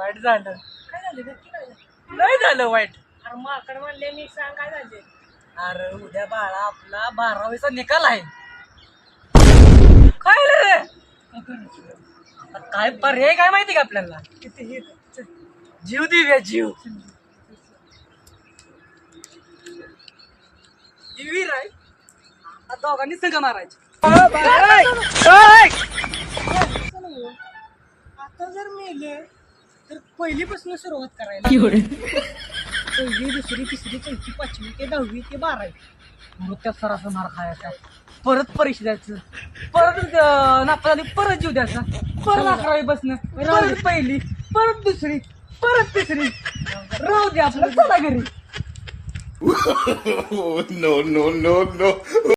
वाईट झालं. काय झालं नक्की काय झालं? नाही झालं वाईट. अरे माकड म्हणले मी सांग काय झाले. अरे उद्या बाळा आपला 12वीचा निकाल आहे. काय रे आता काय पर्याय काय माहिती का आपल्याला? किती हे चल. जीव देऊया जीव. जीवीर आहे आता दोघांनी संघ मारायचे. आता जर मेले तर पहिलीपासून सुरुवात करायला. पहिली दुसरी तिसरी चौथी पाचवी ते 10वी ते 12वी. मग त्या सरासर मार खायचा, परत परीक्षा द्यायचं, परत नापास झाली परत जीव द्यायचा, परत 11वी बसणं, परत पहिली, परत दुसरी, परत तिसरी. राहू दे आपलं, चला घरी. No, no, no, no.